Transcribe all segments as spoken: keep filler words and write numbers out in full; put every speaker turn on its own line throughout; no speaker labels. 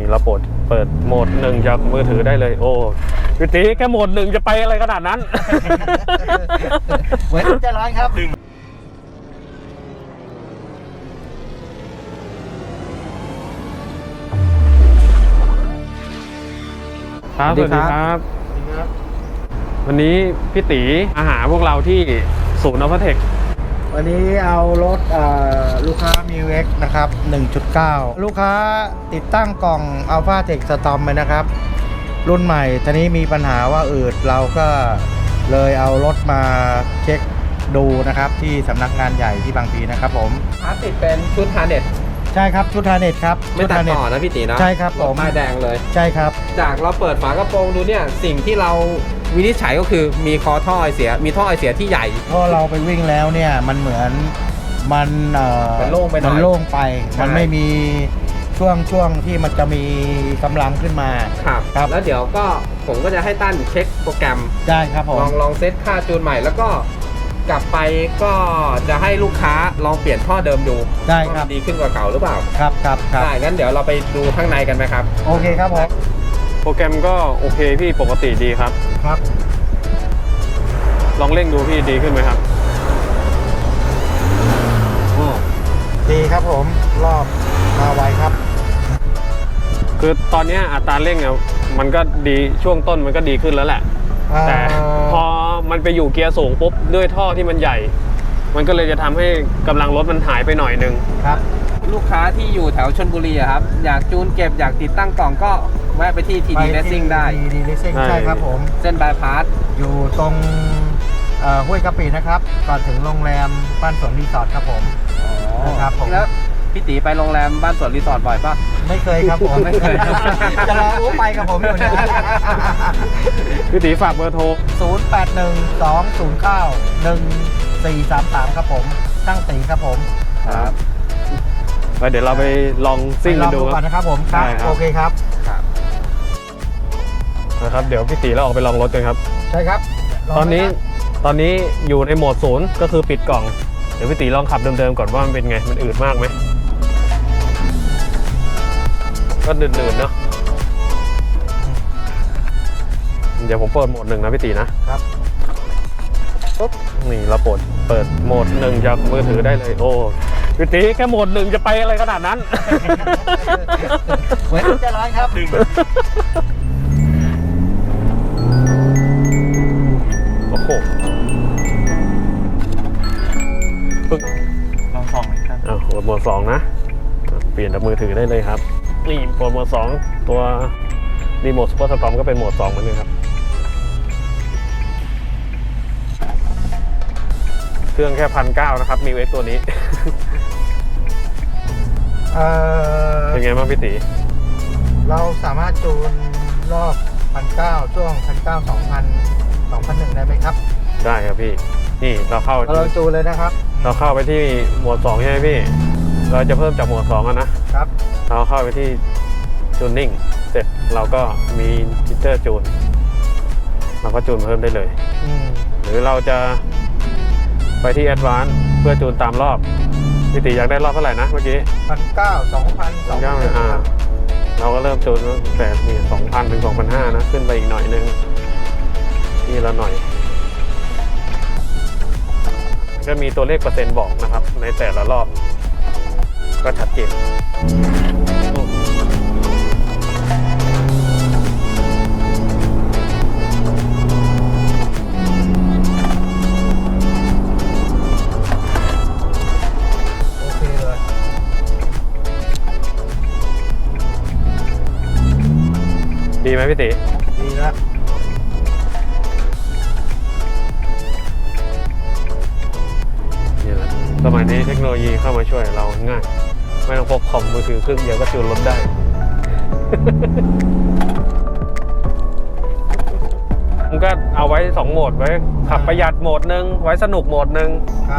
เราเปิดเปิดโหมดหนึ่งจากมือถือได้เลยโอ้พี่ตีแค่โหมดหนึ่งจะไปอะไรขนาดนั้น
เหมือนจะร้อนครับ
ครับสวัสดีครับวันนี้พี่ตีมาหาพวกเราที่ศูนย์อัลฟาเทค
วันนี้เอารถลูกค้ามิวเอ็กนะครับ หนึ่งจุดเก้า ลูกค้าติดตั้งกล่อง Alpha Tech Storm ไปนะครับรุ่นใหม่ทีนี้มีปัญหาว่าอืดเราก็เลยเอารถมาเช็คดูนะครับที่สำนักงานใหญ่ที่บางพลีนะครับผม
พาร์ทติดเป็นชุดฮาร์เน็ต
ใช่ครับชุดฮาร์เน็ตครับ
ไม่ตัดต่อนะพี่ตีนะ
ใช่ครับผม
ป้ายแดงเลย
ใช่ครับ
จากเราเปิดฝากระโปรงดูเนี่ยสิ่งที่เราวินิจฉัยก็คือมีคอท่อไอเสียมีท่อไอเสียที่ใหญ่
เพราะเราไปวิ่งแล้วเนี่ยมันเหมือนมันเอ่อ
มันโล่งไปหน่อย
มันโล่งไปมันไม่มีช่วงช่วงที่มันจะมีกำลังขึ้นมา
ครับครับแล้วเดี๋ยวก็ผมก็จะให้ตั้นเช็คโปรแกรม
ได้ครับผม
ลองลองเซตค่าจูนใหม่แล้วก็กลับไปก็จะให้ลูกค้าลองเปลี่ยนท่อเดิมดู
ได้ครับ
ดีขึ้นกว่าเก่าหรือเปล่า
ครับครับครับ
ได้งั้นเดี๋ยวเราไปดูข้างในกันไหมครับ
โอเคครับผม
โปรแกรมก็โอเคพี่ปกติดีครับ
ครับ
ลองเร่งดูพี่ดีขึ้นไหมครับ
ดีครับผมรอบมาไวครับ
คือตอนนี้อัตราเร่งอ่ะมันก็ดีช่วงต้นมันก็ดีขึ้นแล้วแหละแต่พอมันไปอยู่เกียร์สูงปุ๊บด้วยท่อที่มันใหญ่มันก็เลยจะทำให้กำลังรถมันหายไปหน่อยนึง
ครับลูกค้าที่อยู่แถวชลบุรีครับอยากจูนเก็บอยากติดตั้งกล่องก็แวะไปที่ ที ดี Racing ได้
ที ดี Racing ใช่ครับผม
เส้นบายพาส
อยู่ตรงห้วยกะปินะครับก่อนถึงโรงแรมบ้านสวนรีสอร์ทครับผม
นะครับผมแล้วพี่ตีไปโรงแรมบ้านสวนรีสอร์ทบ่อยปะ
ไม่เคยครับผมไม่เคยจะรออู้ไปกับผมอยู่นะ
พี่ตีฝากเบอร์โทร
ศูนย์ แปด หนึ่ง สอง ศูนย์ เก้า หนึ่ง สี่ สาม สามครับผมตั้งตีครับผม
ครับเดี๋ยวเราไปลองซิ่งกันดู
ก่อนนะครับผมครับโอเคครับ
นะครับเดี๋ยวพี่ตีเราออกไปลองรถกันครับ
ใช่ครับ
ตอนนี้ตอนนี้อยู่ในโหมดศูนย์ก็คือปิดกล่องเดี๋ยวพี่ตีลองขับเดิมๆก่อนว่ามันเป็นไงมันอืดมากไหมก็หนืดๆเนาะเดี๋ยวผมเปิดโหมดหนึ่งนะพี่ตีนะครับปุ๊บนี่เราเปิดเปิดโหมดหนึ่งจากมือถือได้เลยโอ้พี่ตีแค่โหมดหนึ่งจะไปอะไรขนาดนั้น
เหมือนจะร้อนครับ
โอ้โห
ลองสองเลยครับ
อ่าโหมดสองนะเปลี่ยนจากมือถือได้เลยครับนี่โหมดสองตัวรีโมทซูเปอร์สตอร์มก็เป็นโหมดสองเหมือนกันครับเครื่องแค่พันเก้านะครับมีเวทตัวนี้เป็นไงบ้างพี่ตี
เราสามารถจูนรอบพันเก้าช่วงพันเก้าสองพันสองพันหนึ่งได้ไหมครับ
ได้ครับพี่นี่เราเข้า
เราจูนเลยนะครับ
เราเข้าไปที่โหมดสองใช่ไหมพี่เราจะเพิ่มจากโหมดสองนะครับเราเข้าไปที่จูนนิ่งเสร็จเราก็มีฟีเจอร์จูนเราก็จูนเพิ่มได้เลยหรือเราจะไปที่ Advanced เพื่อจูนตามรอบพี่ตีอยากได้รอบเท่าไหร่นะเมื่อกี้
พันเก้าสองพันสองพันอ่า
เราก็เริ่มจูนแต่นี่สองพันถึงสองพันห้านะขึ้นไปอีกหน่อยนึงนี่ละหน่อยก็มีตัวเลขเปอร์เซ็นต์บอกนะครับในแต่ละรอบก็ชัดเจนดีไหมพี่ตี
ดีแล้ว
นี่แหละสมัยนี้เทคโนโลยีเข้ามาช่วยเราง่ายไม่ต้องพกคอมมือถือเครื่องเดียวก็จูนรถได้มันก็เอาไว้สองโหมดไว้ขับประหยัดโหมดหนึ่งไว้สนุกโหมดหนึ่ง
ครับ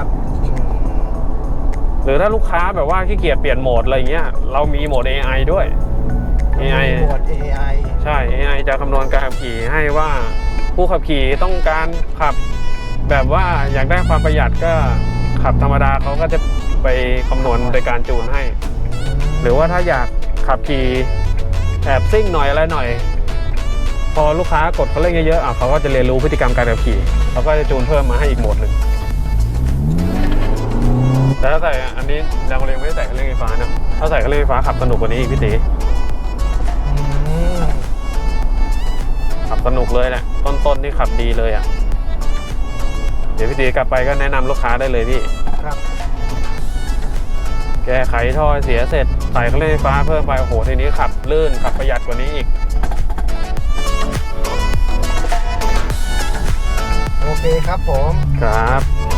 หรือถ้าลูกค้าแบบว่าขี้เกียจเปลี่ยนโหมดอะไรเงี้ยเรามีโหมด เอ ไอ ด้วย เอ ไอ
โหมด เอ ไอ
ใช่ เอ ไอ จะคำนวณการขับขี่ให้ว่าผู้ขับขี่ต้องการขับแบบว่าอยากได้ความประหยัดก็ขับธรรมดาเขาก็จะไปคำนวณโดยการจูนให้หรือว่าถ้าอยากขับขี่แอบซิ่งหน่อยอะไรหน่อย พอลูกค้ากดเขาเร่งเยอะๆอ่ะเขาก็จะเรียนรู้พฤติกรรมการขับขี่เขาก็จะจูนเพิ่มมาให้อีกโหมดหนึ่งแต่ถ้าใส่อันนี้เราเรียงไม่ได้ใส่เครื่องเร่งไฟฟ้านะถ้าใส่เครื่องเร่งไฟฟ้าขับสนุกกว่านี้อีกพี่ตีขับสนุกเลยแหละต้นๆนี่ขับดีเลยอ่ะเดี๋ยวพี่ตีกลับไปก็แนะนำลูกค้าได้เลยพี่
ครับ
แก้ไขท่อเสียเสร็จใส่เครื่องเร่งไฟฟ้าเพิ่มไปโอ้โหทีนี้ขับลื่นขับประหยัดกว่านี้อีก
โอเคครับผม
ครับ